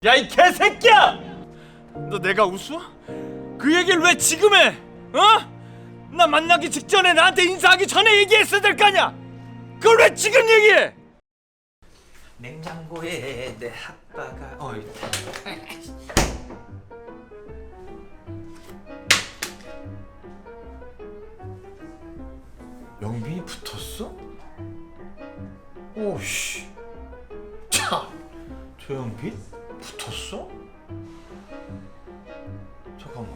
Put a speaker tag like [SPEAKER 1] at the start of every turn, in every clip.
[SPEAKER 1] 야 이 개새끼야! 너 내가 웃어? 그 얘기를 왜 지금 해? 어? 나 만나기 직전에 나한테 인사하기 전에 얘기했어야 될 거 아니야? 그걸 왜 지금 얘기해?
[SPEAKER 2] 냉장고에 내 핫바가
[SPEAKER 1] 영빈이 붙었어? 오씨 참 조영빈? 붙었어? 잠깐만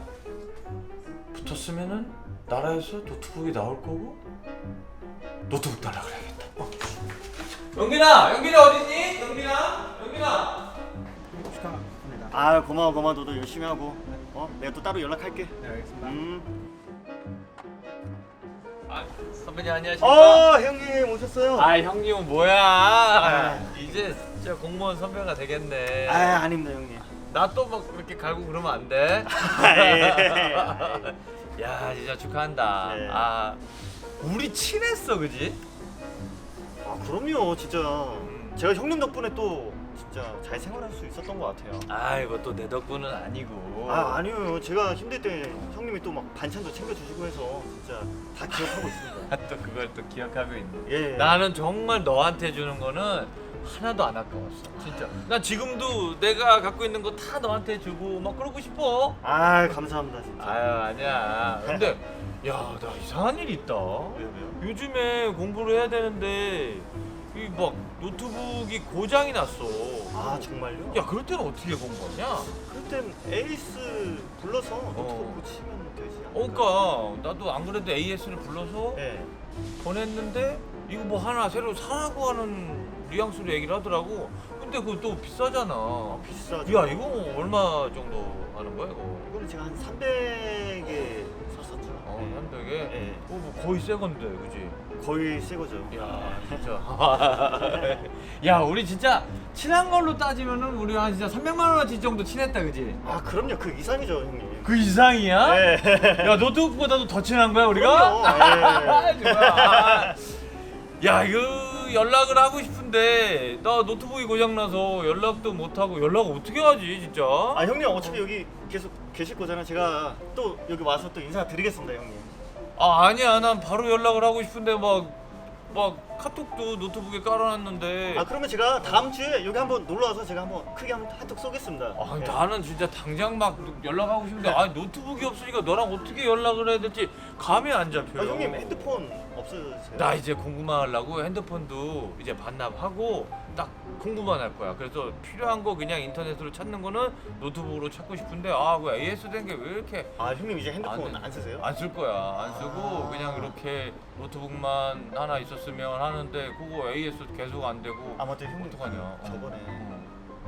[SPEAKER 1] 붙었으면은 나라에서 노트북이 나올 거고 노트북 달라 그래야겠다. 영빈아 어딨니? 영빈아
[SPEAKER 3] 축하합니다. 아 고마워 너도 열심히 하고 내가 또 따로 연락할게.
[SPEAKER 2] 네, 알겠습니다.
[SPEAKER 1] 아 선배님 안녕하십니까?
[SPEAKER 3] 형님 오셨어요?
[SPEAKER 1] 아 형님은 뭐야? 이제 진짜 공무원 선배가 되겠네.
[SPEAKER 3] 아닙니다 형님.
[SPEAKER 1] 나 또 막 그렇게 갈고 그러면 안 돼?
[SPEAKER 3] 예.
[SPEAKER 1] 야 진짜 축하한다.
[SPEAKER 3] 네.
[SPEAKER 1] 아 우리 친했어 그지?
[SPEAKER 3] 아 그럼요 진짜 제가 형님 덕분에 또 진짜 잘 생활할 수 있었던 것 같아요.
[SPEAKER 1] 아이고 또 내 덕분은 아니고.
[SPEAKER 3] 아니요 제가 힘들 때 형님이 또 막 반찬도 챙겨주시고 해서 진짜 다 기억하고 있습니다.
[SPEAKER 1] 또 그걸 또 기억하고 있네.
[SPEAKER 3] 예.
[SPEAKER 1] 나는 정말 너한테 주는 거는 하나도 안 아까웠어. 진짜. 난 지금도 내가 갖고 있는 거 다 너한테 주고 막 그러고 싶어.
[SPEAKER 3] 감사합니다 진짜.
[SPEAKER 1] 아유 아니야. 근데 야 나 이상한 일이 있다.
[SPEAKER 3] 왜요?
[SPEAKER 1] 요즘에 공부를 해야 되는데 이 막 노트북이 고장이 났어.
[SPEAKER 3] 아 정말요?
[SPEAKER 1] 야 그럴 때는 어떻게 공부하냐?
[SPEAKER 3] 그럴 땐 에이스 불러서 노트북 고치면 되지 않을까요?
[SPEAKER 1] 그러니까 나도 안 그래도 AS를 불러서
[SPEAKER 3] 네.
[SPEAKER 1] 보냈는데 이거 뭐 하나 새로 사라고 하는 뉘앙스로 얘기를 하더라고. 근데 그거 또 비싸잖아.
[SPEAKER 3] 비싸죠.
[SPEAKER 1] 야 이거 뭐얼마 정도 하는 거야 이거?
[SPEAKER 3] 이거는 제가 한 300에 샀었죠.
[SPEAKER 1] 한백에.
[SPEAKER 3] 네.
[SPEAKER 1] 뭐 거의 새 건데 그지?
[SPEAKER 3] 거의 새 거죠.
[SPEAKER 1] 야 진짜. 야 우리 진짜 친한 걸로 따지면은 우리 한 진짜 300만 원어치 정도 친했다 그지?
[SPEAKER 3] 아 그럼요 그 이상이죠 형님.
[SPEAKER 1] 그 이상이야?
[SPEAKER 3] 네.
[SPEAKER 1] 야 노트북보다도 더 친한 거야 우리가?
[SPEAKER 3] 그럼요.
[SPEAKER 1] 좋아. 야 이거 연락을 하고 싶은데 나 노트북이 고장나서 연락도 못하고 연락 어떻게 하지 진짜?
[SPEAKER 3] 아 형님 어차피 여기 계속 계실 거잖아요. 제가 또 여기 와서 또 인사드리겠습니다 형님.
[SPEAKER 1] 아 아니야 난 바로 연락을 하고 싶은데 막 카톡도 노트북에 깔아놨는데
[SPEAKER 3] 아 그러면 제가 다음 주에 여기 한번 놀러 와서 제가 한번 크게 한번 한턱 쏘겠습니다.
[SPEAKER 1] 아,
[SPEAKER 3] 네.
[SPEAKER 1] 나는 진짜 당장 막 연락하고 싶은데 아 노트북이 없으니까 너랑 어떻게 연락을 해야 될지 감이 안 잡혀요.
[SPEAKER 3] 아, 형님 핸드폰 없으세요?
[SPEAKER 1] 나 이제 공부만 하려고 핸드폰도 이제 반납하고 딱 공부만 할 거야. 그래서 필요한 거 그냥 인터넷으로 찾는 거는 노트북으로 찾고 싶은데 그 AS 된 게 왜 이렇게
[SPEAKER 3] 아 형님 이제 핸드폰
[SPEAKER 1] 돼.
[SPEAKER 3] 안 쓰세요?
[SPEAKER 1] 안 쓸 거야. 안 쓰고
[SPEAKER 3] 아.
[SPEAKER 1] 그냥 이렇게 노트북만 하나 있었으면 하는데 그거 AS 계속 안 되고
[SPEAKER 3] 아 맞다 형님
[SPEAKER 1] 어떡하냐.
[SPEAKER 3] 저번에
[SPEAKER 1] 어.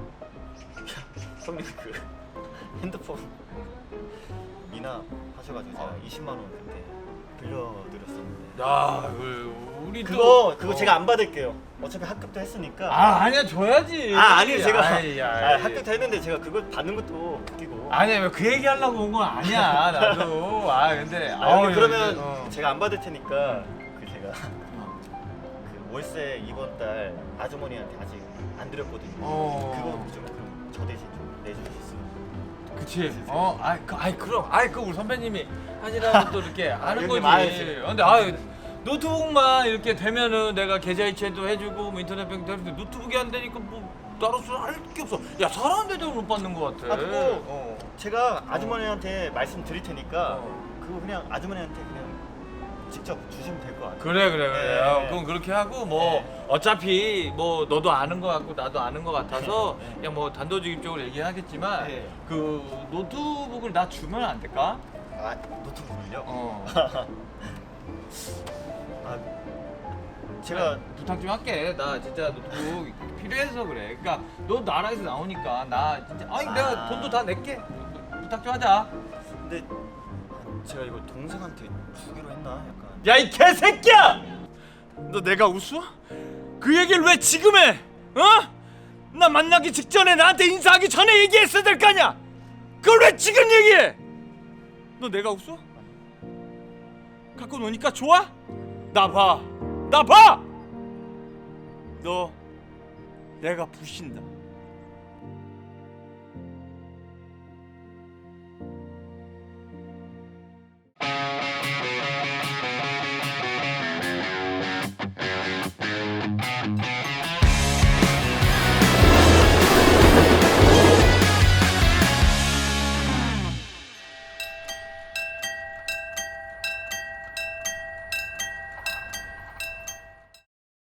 [SPEAKER 3] 형님 그 핸드폰 미납 하셔가지고 제가 20만 원 그때 빌려드렸었는데
[SPEAKER 1] 야, 우리
[SPEAKER 3] 그거 제가 안 받을게요. 어차피 합격도 했으니까.
[SPEAKER 1] 아니야 줘야지.
[SPEAKER 3] 아니요 제가
[SPEAKER 1] 아이,
[SPEAKER 3] 합격도 했는데 제가 그걸 받는 것도 웃기고.
[SPEAKER 1] 아니야 그 얘기 하려고 온 건 아니야 나도. 근데
[SPEAKER 3] 형님, 그러면
[SPEAKER 1] 이제,
[SPEAKER 3] 제가 안 받을 테니까 그 제가 그 월세 이번 달 아주머니한테 아직 안 드렸거든요. 그거 좀 그럼 저 대신 좀 내주셨으면.
[SPEAKER 1] 그치. 그럼 그 우리 선배님이 하시라고 또 이렇게 하는
[SPEAKER 3] 형님,
[SPEAKER 1] 거지. 근데 노트북만 이렇게 되면은 내가 계좌 이체도 해주고 뭐 인터넷 뱅도 해주고 노트북이 안 되니까 뭐 따로서 할 게 없어. 야 사람한테도 못 받는 거 같아.
[SPEAKER 3] 그거 제가 아주머니한테 말씀드릴 테니까 그거 그냥 아주머니한테 그냥 직접 주시면 될 것 같아요.
[SPEAKER 1] 그래.
[SPEAKER 3] 네.
[SPEAKER 1] 그럼 그렇게 하고 뭐 어차피 뭐 너도 아는 거 같고 나도 아는 거 같아서
[SPEAKER 3] 네.
[SPEAKER 1] 그냥 뭐 단도직입적으로 얘기하겠지만
[SPEAKER 3] 네.
[SPEAKER 1] 그 노트북을 나 주면 안 될까?
[SPEAKER 3] 노트북을요? 제가
[SPEAKER 1] 부탁 좀 할게. 나 진짜 노트북 필요해서 그래. 그러니까 너 나라에서 나오니까 나 진짜 내가 돈도 다 낼게. 부탁 좀 하자.
[SPEAKER 3] 근데 제가 이거 동생한테 주기로 했나 약간.
[SPEAKER 1] 야 이 개새끼야! 너 내가 웃어? 그 얘기를 왜 지금 해? 나 만나기 직전에 나한테 인사하기 전에 얘기했어야 될 거 아니야? 그걸 왜 지금 얘기해? 너 내가 웃어? 갖고 노니까 좋아? 나 봐. 너 내가 부신다.